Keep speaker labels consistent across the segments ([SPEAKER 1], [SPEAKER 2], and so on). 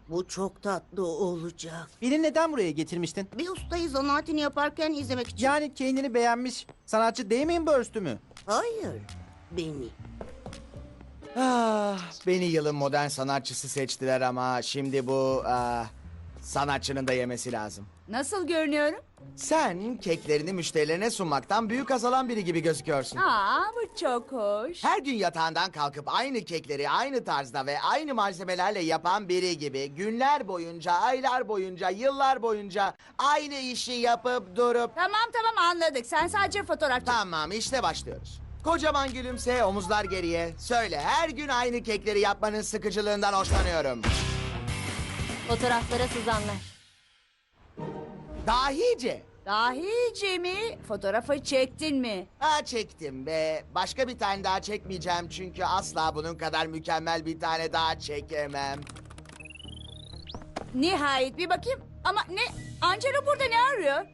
[SPEAKER 1] Bu çok tatlı olacak.
[SPEAKER 2] Beni neden buraya getirmiştin?
[SPEAKER 1] Bir ustayı zanaatini yaparken izlemek için.
[SPEAKER 2] Yani kendini beğenmiş sanatçı Damien Hirst'ü mü?
[SPEAKER 1] Hayır, beni.
[SPEAKER 3] Beni yılın modern sanatçısı seçtiler ama şimdi bu sanatçının da yemesi lazım.
[SPEAKER 4] Nasıl görünüyorum?
[SPEAKER 3] Sen keklerini müşterilerine sunmaktan büyük azalan biri gibi gözüküyorsun.
[SPEAKER 4] Bu çok hoş.
[SPEAKER 3] Her gün yatağından kalkıp aynı kekleri aynı tarzda ve aynı malzemelerle yapan biri gibi günler boyunca, aylar boyunca, yıllar boyunca aynı işi yapıp durup...
[SPEAKER 4] Tamam anladık. Sen sadece fotoğraf çek.
[SPEAKER 3] Tamam, işte başlıyoruz. Kocaman gülümse, omuzlar geriye. Söyle, her gün aynı kekleri yapmanın sıkıcılığından hoşlanıyorum.
[SPEAKER 5] Fotoğraflara sızanlar.
[SPEAKER 3] Dahice.
[SPEAKER 4] Dahice mi? Fotoğrafı çektin mi?
[SPEAKER 3] Çektim ve başka bir tane daha çekmeyeceğim çünkü asla bunun kadar mükemmel bir tane daha çekemem.
[SPEAKER 4] Nihayet bir bakayım. Ama ne? Angelo burada ne arıyor?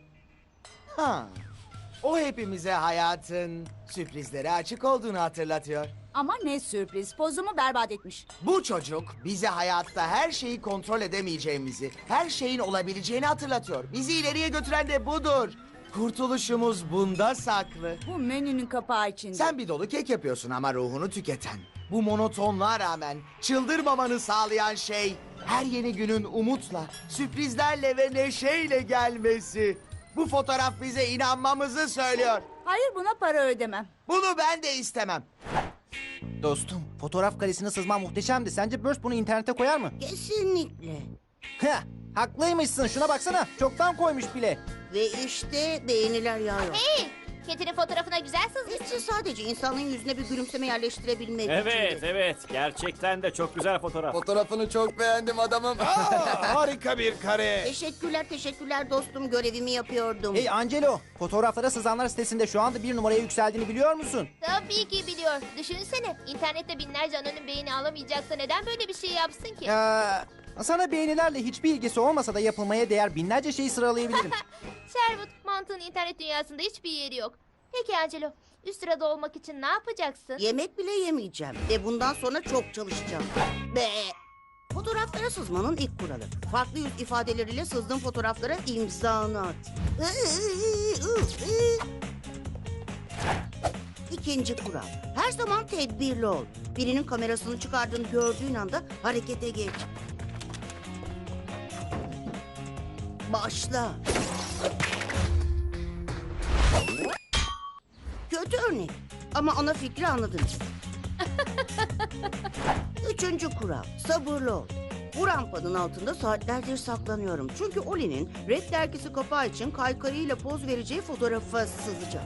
[SPEAKER 3] O hepimize hayatın sürprizlere açık olduğunu hatırlatıyor.
[SPEAKER 4] Ama ne sürpriz. Pozumu berbat etmiş.
[SPEAKER 3] Bu çocuk bize hayatta her şeyi kontrol edemeyeceğimizi, her şeyin olabileceğini hatırlatıyor. Bizi ileriye götüren de budur. Kurtuluşumuz bunda saklı.
[SPEAKER 4] Bu menünün kapağı içinde.
[SPEAKER 3] Sen bir dolu kek yapıyorsun ama ruhunu tüketen. Bu monotonluğa rağmen çıldırmamanı sağlayan şey... her yeni günün umutla, sürprizlerle ve neşeyle gelmesi. Bu fotoğraf bize inanmamızı söylüyor.
[SPEAKER 4] Hayır, buna para ödemem.
[SPEAKER 3] Bunu ben de istemem.
[SPEAKER 2] Dostum, fotoğraf karesine sızman muhteşemdi. Sence Burst bunu internete koyar mı?
[SPEAKER 1] Kesinlikle.
[SPEAKER 2] Heh, haklıymışsın. Şuna baksana. Çoktan koymuş bile.
[SPEAKER 1] Ve işte beğeniler yağıyor.
[SPEAKER 5] Hey! Ketinin fotoğrafına güzel sızmış.
[SPEAKER 1] Hepsi sadece insanın yüzüne bir gülümseme yerleştirebilmek
[SPEAKER 6] Evet,
[SPEAKER 1] içindi.
[SPEAKER 6] evet. Gerçekten de çok güzel fotoğraf.
[SPEAKER 7] Fotoğrafını çok beğendim adamım.
[SPEAKER 8] Harika bir kare.
[SPEAKER 1] Teşekkürler dostum, görevimi yapıyordum.
[SPEAKER 2] Hey Angelo, fotoğraflara sızanlar sitesinde şu anda 1 numaraya yükseldiğini biliyor musun?
[SPEAKER 5] Tabii ki biliyor. Düşünsene, internette binlerce anonim beğeni alamayacaksa neden böyle bir şey yapsın ki?
[SPEAKER 2] Sana beğenilerle hiçbir ilgisi olmasa da yapılmaya değer binlerce şeyi sıralayabilirim.
[SPEAKER 5] Sherwood, mantığın internet dünyasında hiçbir yeri yok. Peki Angelo, üst sırada olmak için ne yapacaksın?
[SPEAKER 1] Yemek bile yemeyeceğim ve bundan sonra çok çalışacağım. Be. Fotoğraflara sızmanın ilk kuralı. Farklı yüz ifadeleriyle sızdığın fotoğraflara imzanı at. İkinci kural. Her zaman tedbirli ol. Birinin kamerasını çıkardığını gördüğün anda harekete geç. Başla. Kötü örnek ama ana fikri anladınız. Üçüncü kural. Sabırlı ol. Bu rampanın altında saatlerdir saklanıyorum. Çünkü Oli'nin Red dergisi kapağı için kaykayıyla poz vereceği fotoğrafa sızacağım.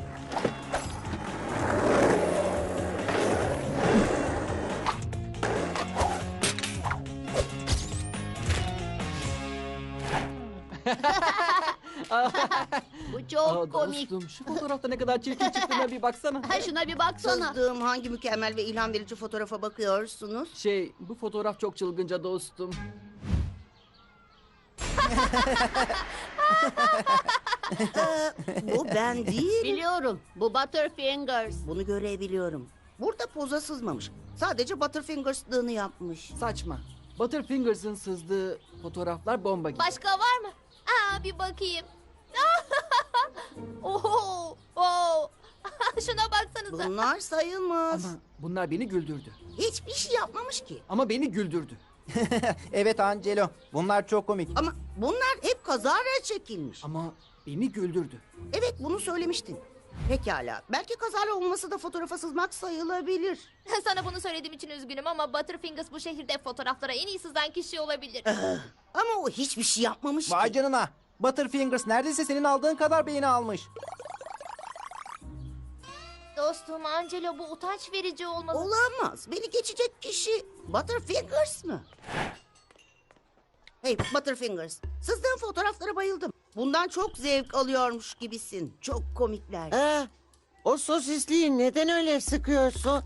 [SPEAKER 5] Bu çok komik.
[SPEAKER 7] Dostum şu fotoğrafta ne kadar çirkin çıktığına bir baksana.
[SPEAKER 5] Ha, şuna bir baksana.
[SPEAKER 1] Sızdığım hangi mükemmel ve ilham verici fotoğrafa bakıyorsunuz?
[SPEAKER 7] Bu fotoğraf çok çılgınca dostum.
[SPEAKER 1] Bu ben değil.
[SPEAKER 5] Biliyorum, bu Butterfingers.
[SPEAKER 1] Bunu görebiliyorum. Burada poza sızmamış. Sadece Butterfingers'lığını yapmış.
[SPEAKER 7] Saçma. Butterfingers'ın sızdığı fotoğraflar bomba gibi.
[SPEAKER 5] Başka var mı? Bir bakayım. Oho! Oh! Şuna baksanıza.
[SPEAKER 1] Bunlar sayılmaz.
[SPEAKER 7] Ama bunlar beni güldürdü.
[SPEAKER 1] Hiçbir şey yapmamış ki.
[SPEAKER 7] Ama beni güldürdü.
[SPEAKER 2] Evet Angelo, bunlar çok komik.
[SPEAKER 1] Ama bunlar hep kazara çekilmiş.
[SPEAKER 7] Ama beni güldürdü.
[SPEAKER 1] Evet, bunu söylemiştin. Pekala. Belki kazara olması da fotoğrafa sızmak sayılabilir.
[SPEAKER 5] Sana bunu söylediğim için üzgünüm ama Butterfingers bu şehirde fotoğraflara en iyi sızan kişi olabilir.
[SPEAKER 1] Ama o hiçbir şey yapmamış
[SPEAKER 2] Vay
[SPEAKER 1] ki.
[SPEAKER 2] canına. Butterfingers neredeyse senin aldığın kadar beğeni almış.
[SPEAKER 5] Dostum Angelo, bu utanç verici olmalı.
[SPEAKER 1] Olamaz. Beni geçecek kişi Butterfingers mı? Hey Butterfingers, sızdığın fotoğraflara bayıldım. Bundan çok zevk alıyormuş gibisin. Çok komikler.
[SPEAKER 9] O sosisliği neden öyle sıkıyorsun?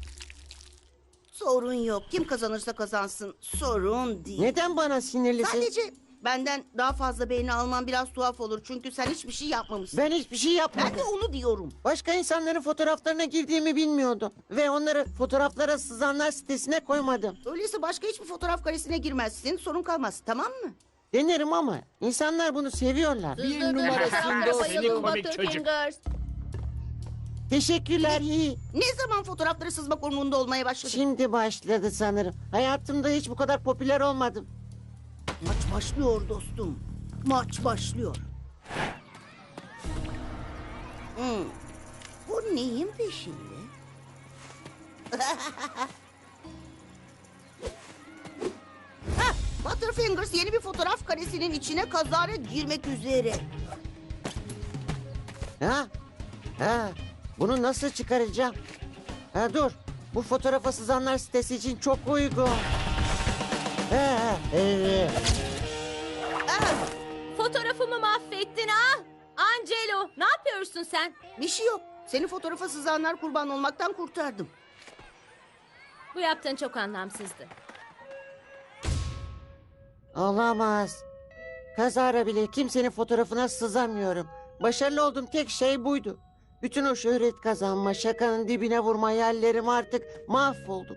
[SPEAKER 1] Sorun yok. Kim kazanırsa kazansın. Sorun değil.
[SPEAKER 9] Neden bana sinirlisin?
[SPEAKER 1] Sadece Benden daha fazla beğeni alman biraz tuhaf olur. Çünkü sen hiçbir şey yapmamışsın.
[SPEAKER 9] Ben hiçbir şey
[SPEAKER 1] Ben
[SPEAKER 9] yapmadım.
[SPEAKER 1] de onu diyorum.
[SPEAKER 9] Başka insanların fotoğraflarına girdiğimi bilmiyordum. Ve onları fotoğraflara sızanlar sitesine koymadım.
[SPEAKER 1] Öyleyse başka hiçbir fotoğraf karesine girmezsin. Sorun kalmaz, tamam mı?
[SPEAKER 9] Denerim ama insanlar bunu seviyorlar.
[SPEAKER 7] Bir numarasında
[SPEAKER 4] Bayıldım
[SPEAKER 6] Seni komik
[SPEAKER 4] Dr.
[SPEAKER 6] çocuk.
[SPEAKER 4] Fingers.
[SPEAKER 9] Teşekkürler iyi.
[SPEAKER 1] Ne zaman fotoğrafları sızmak umurunda olmaya başladın?
[SPEAKER 9] Şimdi başladı sanırım. Hayatımda hiç bu kadar popüler olmadım.
[SPEAKER 1] Maç başlıyor dostum. Maç başlıyor. Bu neyin peşinde? Hah, Butterfingers yeni bir fotoğraf karesinin içine kazara girmek üzere.
[SPEAKER 9] Ha? Ha? Bunu nasıl çıkaracağım? Ha dur. Bu fotoğrafa sızanlar sitesi için çok uygun. Ha, evet.
[SPEAKER 4] Fotoğrafımı mahvettin ha? Angelo, ne yapıyorsun sen?
[SPEAKER 1] Bir şey yok. Seni fotoğrafa sızanlar kurban olmaktan kurtardım.
[SPEAKER 4] Bu yaptığın çok anlamsızdı.
[SPEAKER 9] Olamaz. Kazara bile kimsenin fotoğrafına sızamıyorum. Başarılı olduğum tek şey buydu. Bütün o şöhret kazanma, şakanın dibine vurma hayallerim artık mahvoldum.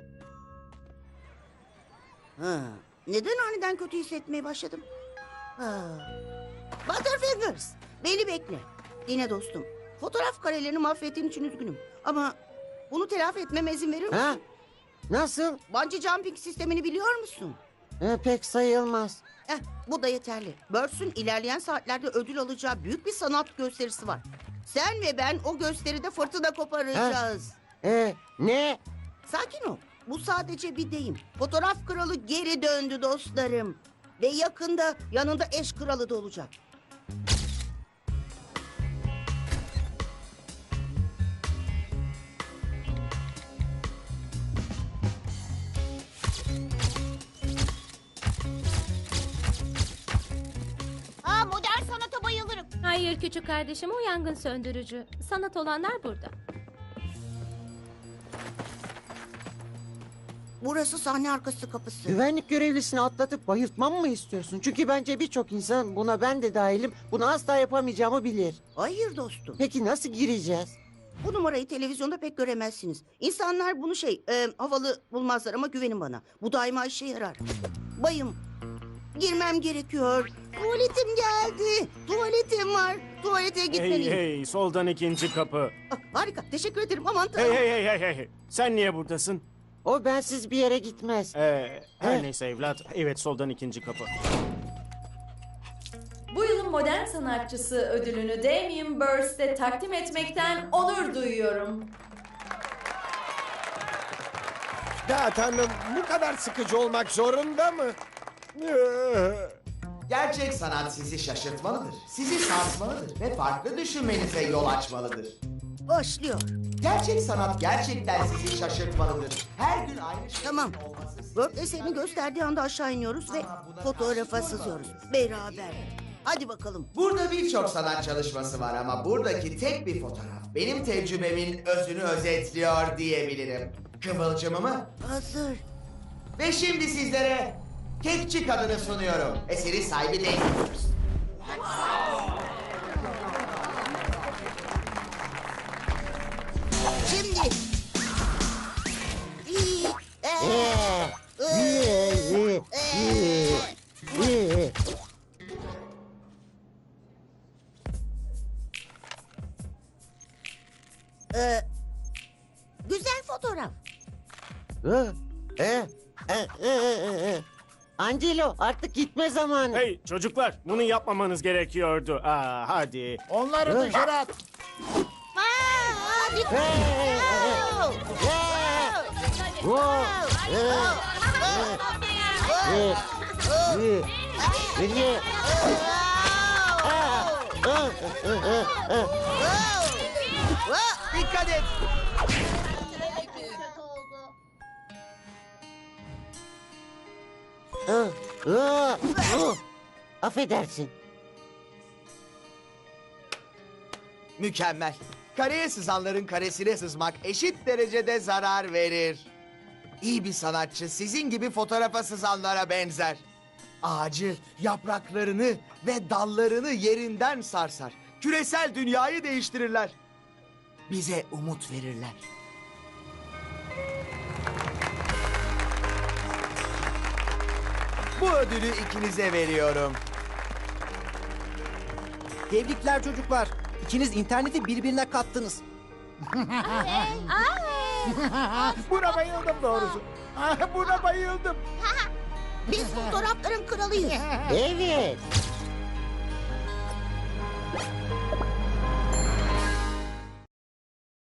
[SPEAKER 1] Ha, neden aniden kötü hissetmeye başladım? Ha. Butterfingers, beni bekle. Dinle dostum. Fotoğraf karelerini mahvettiğin için üzgünüm. Ama bunu telafi etmeme izin verir misin?
[SPEAKER 9] Ha? Nasıl?
[SPEAKER 1] Bungee jumping sistemini biliyor musun?
[SPEAKER 9] Pek sayılmaz.
[SPEAKER 1] Bu da yeterli. Birds'ün ilerleyen saatlerde ödül alacağı büyük bir sanat gösterisi var. Sen ve ben o gösteride fırtına koparacağız.
[SPEAKER 9] Ne?
[SPEAKER 1] Sakin ol. Bu sadece bir deyim. Fotoğraf kralı geri döndü dostlarım. Ve yakında yanında eş kralı da olacak.
[SPEAKER 5] Aa, modern sanata bayılırım.
[SPEAKER 4] Hayır küçük kardeşim, o yangın söndürücü. Sanat olanlar burada.
[SPEAKER 1] Burası sahne arkası kapısı.
[SPEAKER 9] Güvenlik görevlisini atlatıp bayıltmam mı istiyorsun? Çünkü bence birçok insan, buna ben de dahilim, bunu asla yapamayacağımı bilir.
[SPEAKER 1] Hayır dostum.
[SPEAKER 9] Peki nasıl gireceğiz?
[SPEAKER 1] Bu numarayı televizyonda pek göremezsiniz. İnsanlar bunu havalı bulmazlar ama güvenin bana. Bu daima işe yarar. Bayım, girmem gerekiyor. Tuvaletim geldi. Tuvaletim var. Tuvalete
[SPEAKER 6] Hey
[SPEAKER 1] gitmeliyim.
[SPEAKER 6] hey, soldan ikinci kapı.
[SPEAKER 1] Harika, teşekkür ederim. Aman tanrım.
[SPEAKER 6] Hey. Sen niye buradasın?
[SPEAKER 9] O bensiz bir yere gitmez.
[SPEAKER 6] Her neyse evlat. Evet, soldan ikinci kapı.
[SPEAKER 10] Bu yılın modern sanatçısı ödülünü Damien Hirst'e takdim etmekten onur duyuyorum.
[SPEAKER 8] Ya tanrım, bu kadar sıkıcı olmak zorunda mı?
[SPEAKER 3] Gerçek sanat sizi şaşırtmalıdır, sizi sarsmalıdır ve farklı düşünmenize yol açmalıdır.
[SPEAKER 1] Başlıyor.
[SPEAKER 3] Gerçek sanat gerçekten sizi şaşırtmalıdır. Her gün aynı şeyin
[SPEAKER 1] Tamam.
[SPEAKER 3] olması sizi-
[SPEAKER 1] Word eserini gösterdiği anda aşağı iniyoruz ve fotoğrafa sızıyoruz. Beraber. Hadi bakalım.
[SPEAKER 3] Burada birçok sanat çalışması var ama buradaki tek bir fotoğraf benim tecrübemin özünü özetliyor diyebilirim. Kıvılcımımı
[SPEAKER 1] Hazır.
[SPEAKER 3] ve şimdi sizlere Kekçi Kadını sunuyorum. Eseri sahibi Damien Hirst.
[SPEAKER 1] Şimdi. İyi. Güzel fotoğraf.
[SPEAKER 9] Angelo, artık gitme zamanı.
[SPEAKER 6] Hey çocuklar, bunu yapmamanız gerekiyordu. Hadi.
[SPEAKER 8] Onları dışarı at.
[SPEAKER 3] Dikkat et.
[SPEAKER 9] Affedersin.
[SPEAKER 3] Mükemmel. Kareye sızanların karesine sızmak eşit derecede zarar verir. İyi bir sanatçı sizin gibi fotoğrafa sızanlara benzer. Ağacı, yapraklarını ve dallarını yerinden sarsar. Küresel dünyayı değiştirirler. Bize umut verirler. Bu ödülü ikinize veriyorum.
[SPEAKER 2] Tebrikler çocuklar. İkiniz interneti birbirine kattınız.
[SPEAKER 8] Buna bayıldım doğrusu. Buna bayıldım.
[SPEAKER 1] Biz fotoğrafların kralıyız.
[SPEAKER 9] Evet.